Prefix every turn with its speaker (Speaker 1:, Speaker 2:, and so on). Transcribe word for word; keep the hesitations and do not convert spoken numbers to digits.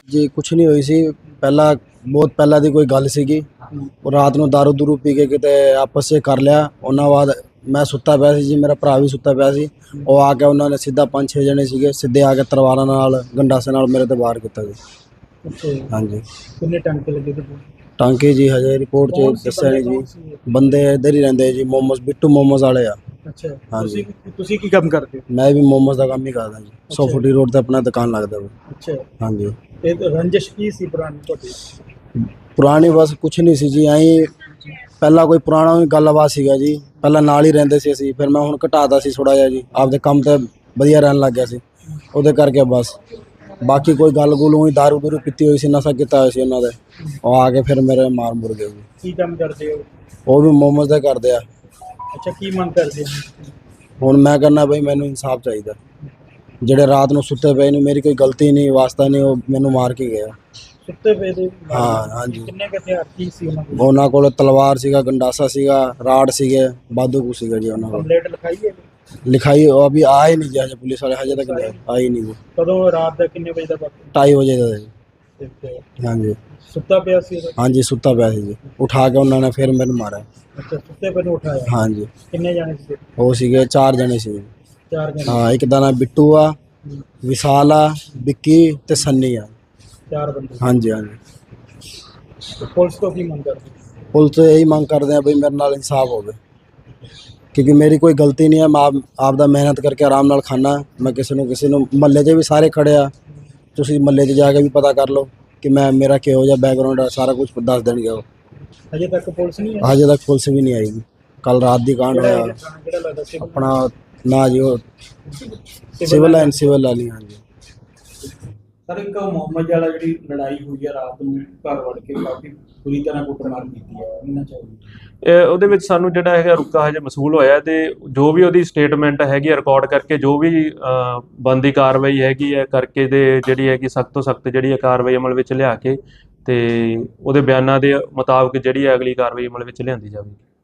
Speaker 1: जी कुछ नहीं हुई सी। पहला बहुत पहला दी कोई गल सीगी। ਉਹ ਰਾਤ ਨੂੰ ਦਾਰੂ ਦੂਰੂ ਪੀ ਕੇ ਕਿਤੇ ਆਪਸ 'ਚ ਕਰ ਲਿਆ। ਉਹਨਾਂ ਬਾਅਦ ਮੈਂ ਸੁੱਤਾ ਪਿਆ ਸੀ ਜੀ, ਮੇਰਾ ਭਰਾ ਵੀ ਸੁੱਤਾ ਪਿਆ ਸੀ। ਉਹ ਆ ਕੇ ਉਹਨਾਂ ਨੇ ਸਿੱਧਾ ਪੰਜ ਛੇ ਜਣੇ ਸੀਗੇ, ਸਿੱਧੇ ਆ ਕੇ ਤਲਵਾਰਾਂ ਨਾਲ ਗੰਡਾਸੇ ਨਾਲ ਮੇਰੇ ਤੇ ਵਾਰ ਕੀਤਾ ਜੀ।
Speaker 2: ਅੱਛਾ ਜੀ।
Speaker 1: ਹਾਂਜੀ
Speaker 2: ਕਿੰਨੇ ਟਾਂਕੇ ਲੱਗੇ ਤੇ
Speaker 1: ਟਾਂਕੇ ਜੀ ਹਜੇ ਰਿਪੋਰਟ 'ਚ ਦੱਸਿਆ ਨਹੀਂ ਜੀ। ਬੰਦੇ ਇੱਧਰ ਹੀ ਰਹਿੰਦੇ ਜੀ, ਮੋਮੋਸ ਬਿੱਟੂ ਮੋਮੋਸ ਵਾਲੇ ਆ।
Speaker 2: ਅੱਛਾ
Speaker 1: ਹਾਂਜੀ
Speaker 2: ਤੁਸੀਂ ਤੁਸੀਂ ਕੀ ਕੰਮ ਕਰਦੇ ਹੋ?
Speaker 1: ਮੈਂ ਵੀ ਮੋਮੋਸ ਦਾ ਕੰਮ ਹੀ ਕਰਦਾ ਜੀ। ਸੌ ਫੁੱਟੀ ਰੋਡ ਤੇ ਆਪਣਾ ਦੁਕਾਨ ਲੱਗਦਾ ਵਾ।
Speaker 2: ਅੱਛਾ
Speaker 1: ਹਾਂਜੀ
Speaker 2: ਤੇ ਰੰਜਿਸ਼ ਕੀ ਸੀ ਪੁਰਾਣੀ ਤੁਹਾਡੀ?
Speaker 1: ਪੁਰਾਣੀ ਬਸ ਕੁਛ ਨਹੀਂ ਸੀ ਜੀ, ਐਂ ਪਹਿਲਾਂ ਕੋਈ ਪੁਰਾਣਾ ਵੀ ਗੱਲਬਾਤ ਸੀਗਾ ਜੀ। ਪਹਿਲਾਂ ਨਾਲ ਹੀ ਰਹਿੰਦੇ ਸੀ ਅਸੀਂ, ਫਿਰ ਮੈਂ ਹੁਣ ਘਟਾਤਾ ਸੀ ਥੋੜ੍ਹਾ ਜਿਹਾ ਜੀ, ਆਪਦੇ ਕੰਮ ਤੇ ਵਧੀਆ ਰਹਿਣ ਲੱਗ ਗਿਆ ਸੀ ਉਹਦੇ ਕਰਕੇ ਬਸ। ਬਾਕੀ ਕੋਈ ਗੱਲ ਗੁੱਲ ਹੋਈ, ਦਾਰੂ ਦੂਰੂ ਪੀਤੀ ਹੋਈ ਸੀ, ਨਸ਼ਾ ਕੀਤਾ ਹੋਇਆ ਸੀ ਉਹਨਾਂ ਦੇ। ਉਹ ਆ ਕੇ ਫਿਰ ਮੇਰੇ ਮਾਰ ਮੁਰ ਗਏ ਜੀ।
Speaker 2: ਕੀ ਕੰਮ ਕਰਦੇ ਹੋ?
Speaker 1: ਉਹ ਵੀ ਮੋਮੋਸ ਦਾ ਕਰਦੇ ਆ।
Speaker 2: ਅੱਛਾ ਕੀ ਮੰਗ ਕਰਦੇ ਹੋ?
Speaker 1: ਹੁਣ ਮੈਂ ਕਹਿੰਦਾ ਬਈ ਮੈਨੂੰ ਇਨਸਾਫ ਚਾਹੀਦਾ। ਜਿਹੜੇ ਰਾਤ ਨੂੰ ਸੁੱਤੇ ਪਏ ਨੇ, ਮੇਰੀ ਕੋਈ ਗਲਤੀ ਨਹੀਂ ਵਾਸਤਾ ਨਹੀਂ, ਉਹ ਮੈਨੂੰ ਮਾਰ ਕੇ ਗਿਆ।
Speaker 2: ਸੁੱਤੇ ਪਏ ਦੇ?
Speaker 1: ਹਾਂ ਹਾਂਜੀ।
Speaker 2: ਕਿੰਨੇ ਕੁ ਹਥਿਆਰ ਕੀ ਸੀ ਉਹਨਾਂ ਕੋਲ?
Speaker 1: ਉਹਨਾਂ ਕੋਲ ਤਲਵਾਰ ਸੀਗਾ, ਗੰਡਾਸਾ ਸੀਗਾ, ਰਾੜ ਸੀਗੇ, ਬਾਦੂ ਕੁਛ ਸੀਗਾ ਜੀ ਉਹਨਾਂ ਕੋਲ।
Speaker 2: ਕੰਪਲੇਂਟ ਲਿਖਾਈ ਹੈ?
Speaker 1: ਲਿਖਾਈ ਉਹ ਅਭੀ ਆਏ ਨਹੀਂ ਜੀ, ਹਜੇ ਪੁਲਿਸ ਵਾਲੇ ਹਜੇ ਤੱਕ ਆਏ ਨਹੀਂ ਜੀ।
Speaker 2: ਕਦੋਂ? ਰਾਤ ਦਾ ਕਿੰਨੇ ਵਜੇ ਦਾ ਵਕਤ?
Speaker 1: ਢਾਈ ਵਜੇ ਦਾ ਜੀ।
Speaker 2: ਤੇ
Speaker 1: ਹਾਂਜੀ
Speaker 2: ਸੁੱਤਾ ਪਿਆ ਸੀ ਉਦੋਂ?
Speaker 1: ਹਾਂਜੀ ਸੁੱਤਾ ਪਿਆ ਸੀ ਜੀ। ਉਠਾ ਕੇ ਉਹਨਾਂ ਨੇ ਫਿਰ ਮੈਨੂੰ ਮਾਰਿਆ।
Speaker 2: ਅੱਛਾ ਸੁੱਤੇ ਪਏ ਨੂੰ ਉਠਾਇਆ?
Speaker 1: ਹਾਂਜੀ।
Speaker 2: ਕਿੰਨੇ ਜਾਣੇ ਸੀ?
Speaker 1: ਉਹ ਸੀਗੇ ਚਾਰ ਜਣੇ ਸੀ।
Speaker 2: ਚਾਰ ਜਣੇ?
Speaker 1: ਹਾਂ, ਇੱਕ ਦਾ ਨਾਂ ਬਿੱਟੂ ਆ, ਵਿਸ਼ਾਲ ਆ, ਵਿੱਕੀ ਤੇ ਸੰਨੀ ਆ।
Speaker 2: ਚਾਰ ਬੰਦੇ?
Speaker 1: ਹਾਂਜੀ ਹਾਂਜੀ।
Speaker 2: ਪੁਲਿਸ ਤੋਂ ਕੀ ਮੰਗ ਕਰਦੇ?
Speaker 1: ਪੁਲਿਸ ਤੋਂ ਇਹੀ ਮੰਗ ਕਰਦੇ ਆ ਬਈ ਮੇਰੇ ਨਾਲ ਇਨਸਾਫ ਹੋਵੇ, ਕਿਉਂਕਿ ਮੇਰੀ ਕੋਈ ਗਲਤੀ ਨਹੀਂ ਹੈ। ਮੈਂ ਆਪ ਆਪ ਦਾ ਮਿਹਨਤ ਕਰਕੇ ਆਰਾਮ ਨਾਲ ਖਾਣਾ। ਮੈਂ ਕਿਸੇ ਨੂੰ ਕਿਸੇ ਨੂੰ ਮਹੱਲੇ 'ਚ ਵੀ ਸਾਰੇ ਖੜੇ ਆ, ਤੁਸੀਂ ਮਹੱਲੇ 'ਚ ਜਾ ਕੇ ਵੀ ਪਤਾ ਕਰ ਲਓ ਕਿ ਮੈਂ ਮੇਰਾ ਕਿਹੋ ਜਿਹਾ ਬੈਕਗਰਾਉਂਡ ਆ, ਸਾਰਾ ਕੁਝ ਦੱਸ ਦੇਣਗੇ ਉਹ।
Speaker 2: ਹਜੇ ਤੱਕ ਪੁਲਿਸ ਨਹੀਂ ਆਈ?
Speaker 1: ਹਜੇ ਤੱਕ ਪੁਲਿਸ ਵੀ ਨਹੀਂ ਆਈ ਜੀ। ਕੱਲ ਰਾਤ ਦੀ ਕਾਂਡ ਹੋਇਆ
Speaker 2: ਕਿਹੜਾ ਲੱਗਦਾ ਸੀ
Speaker 1: ਆਪਣਾ ਨਾ ਜੀ, ਉਹ ਸਿਵਲ ਲਾਈਨ ਸਿਵਲ ਵਾਲੀ। ਹਾਂਜੀ
Speaker 2: ਸਰ, ਇੱਕ ਮੁਹੰਮਦ ਵਾਲਾ ਜਿਹੜੀ ਲੜਾਈ ਹੋਈ ਹੈ ਰਾਤ ਨੂੰ ਘਰ ਵੜ ਕੇ ਕਾਫੀ ਬੁਰੀ ਤਰ੍ਹਾਂ ਕੁੱਟਮਾਰ ਕੀਤੀ ਹੈ, ਇਹਨਾਂ ਚਾਹੀਦੀ
Speaker 3: ਇਹ ਉਹਦੇ ਵਿੱਚ ਸਾਨੂੰ ਜਿਹੜਾ ਹੈਗਾ ਰੁਕਾ ਹਜੇ ਮਸੂਲ ਹੋਇਆ, ਤੇ ਜੋ ਵੀ ਉਹਦੀ ਸਟੇਟਮੈਂਟ ਹੈਗੀ ਰਿਕਾਰਡ ਕਰਕੇ ਜੋ ਵੀ ਬਣਦੀ ਕਾਰਵਾਈ ਹੈਗੀ ਹੈ ਕਰਕੇ ਤੇ ਜਿਹੜੀ ਹੈਗੀ ਸਖਤ ਤੋਂ ਸਖਤ ਜਿਹੜੀ ਹੈ ਕਾਰਵਾਈ ਅਮਲ ਵਿੱਚ ਲਿਆ ਕੇ ਤੇ ਉਹਦੇ ਬਿਆਨਾਂ ਦੇ ਮੁਤਾਬਕ ਜਿਹੜੀ ਹੈ ਅਗਲੀ ਕਾਰਵਾਈ ਅਮਲ ਵਿੱਚ ਲਿਆਂਦੀ ਜਾਵੇਗੀ।